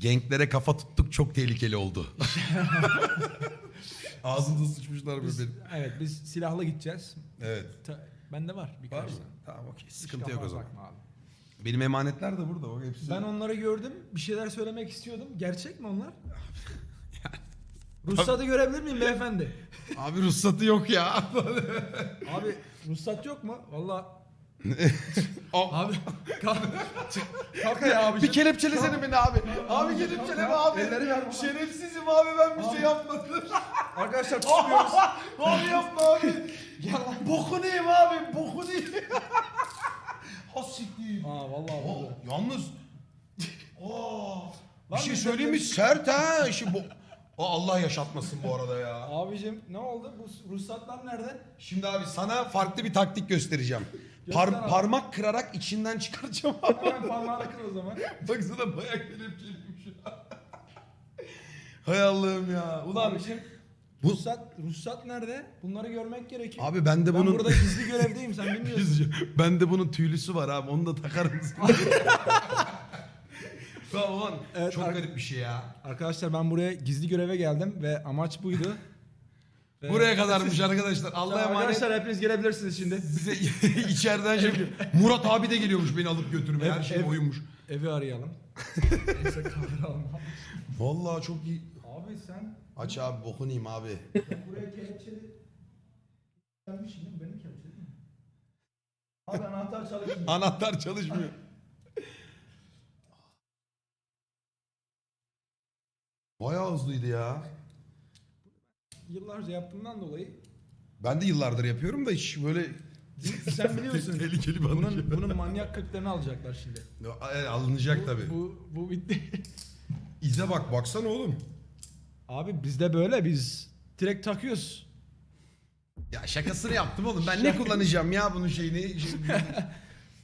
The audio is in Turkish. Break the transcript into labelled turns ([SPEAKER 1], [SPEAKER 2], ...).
[SPEAKER 1] Genklere kafa tuttuk, çok tehlikeli oldu. Ağzımda sıçmışlar mı benim?
[SPEAKER 2] Evet, biz silahla gideceğiz.
[SPEAKER 1] Evet.
[SPEAKER 2] Bende var
[SPEAKER 1] Var
[SPEAKER 2] birkaç
[SPEAKER 1] mı?
[SPEAKER 2] tane.
[SPEAKER 1] Tamam okey.
[SPEAKER 2] Hiç
[SPEAKER 1] Sıkıntı yok o
[SPEAKER 2] kafana
[SPEAKER 1] zaman.
[SPEAKER 2] takma abi.
[SPEAKER 1] Benim emanetler de burada. O hepsi.
[SPEAKER 2] Ben onları gördüm. Bir şeyler söylemek istiyordum. Gerçek mi onlar? Ruhsatı görebilir miyim beyefendi?
[SPEAKER 1] Abi ruhsatı yok ya.
[SPEAKER 2] Abi ruhsat yok mu? Valla
[SPEAKER 1] Abi.
[SPEAKER 2] abi kalk ya abi.
[SPEAKER 1] Bir kelepçelesene beni abi. Abi kelepçeleme abi.
[SPEAKER 2] Elleri ver bana.
[SPEAKER 1] Şerefsizim abi, ben bir şey yapmadım.
[SPEAKER 2] Arkadaşlar tutuyoruz.
[SPEAKER 1] Abi yapma abi. Bokunu yiyeyim abi. Bokunu yiyeyim. Ha siktir.
[SPEAKER 2] Aa vallahi
[SPEAKER 1] Oh,
[SPEAKER 2] burada.
[SPEAKER 1] yalnız. Oh. Bir
[SPEAKER 2] Lan
[SPEAKER 1] şey
[SPEAKER 2] biz
[SPEAKER 1] söyleyeyim mi?
[SPEAKER 2] de-
[SPEAKER 1] Sert ha. Allah yaşatmasın bu arada ya.
[SPEAKER 2] Abicim ne oldu? Bu ruhsatlar nerede?
[SPEAKER 1] Şimdi abi sana farklı bir taktik göstereceğim.
[SPEAKER 2] Göster abi.
[SPEAKER 1] Parmak kırarak içinden çıkaracağım abi.
[SPEAKER 2] Hemen parmağını kır o zaman.
[SPEAKER 1] Baksana bayağı kelepçeliyim şu an. Hay Allah'ım ya. Ulan
[SPEAKER 2] Abicim
[SPEAKER 1] bu...
[SPEAKER 2] ruhsat nerede? Bunları görmek gerekiyor.
[SPEAKER 1] Abi ben de
[SPEAKER 2] Ben
[SPEAKER 1] bunun...
[SPEAKER 2] burada gizli görevdeyim, sen bilmiyorsun.
[SPEAKER 1] Ben de bunun tüylüsü var abi. Onu da takar mısın? Ulan
[SPEAKER 2] Evet,
[SPEAKER 1] çok garip bir şey ya.
[SPEAKER 2] Arkadaşlar ben buraya gizli göreve geldim ve amaç buydu.
[SPEAKER 1] Buraya kadarmış arkadaşlar. Allah'a emanet.
[SPEAKER 2] Arkadaşlar hepiniz gelebilirsiniz şimdi.
[SPEAKER 1] Bize içeriden Murat abi de geliyormuş beni alıp götürmeye. Her şey oyunmuş.
[SPEAKER 2] Evi arayalım. Neyse kamera almam.
[SPEAKER 1] Vallahi çok iyi.
[SPEAKER 2] Abi sen
[SPEAKER 1] Aç abi, bokunu yiyeyim abi.
[SPEAKER 2] buraya kelepçeli gelmişsin değil mi? Benim kelepçeli mi? Abi anahtar çalışmıyor.
[SPEAKER 1] Anahtar çalışmıyor. Bayağı hızlıydı ya.
[SPEAKER 2] Yıllarca yaptığımdan dolayı
[SPEAKER 1] Ben de yıllardır yapıyorum da hiç böyle
[SPEAKER 2] sen biliyorsun.
[SPEAKER 1] tehlikeli bir
[SPEAKER 2] bunun manyak kırklarını alacaklar şimdi.
[SPEAKER 1] alınacak tabii.
[SPEAKER 2] Bu bitti.
[SPEAKER 1] İze bak, baksana oğlum.
[SPEAKER 2] Abi bizde böyle, biz direkt takıyoruz.
[SPEAKER 1] Ya şakasını yaptım oğlum. Ben ne kullanacağım ya bunun şeyini?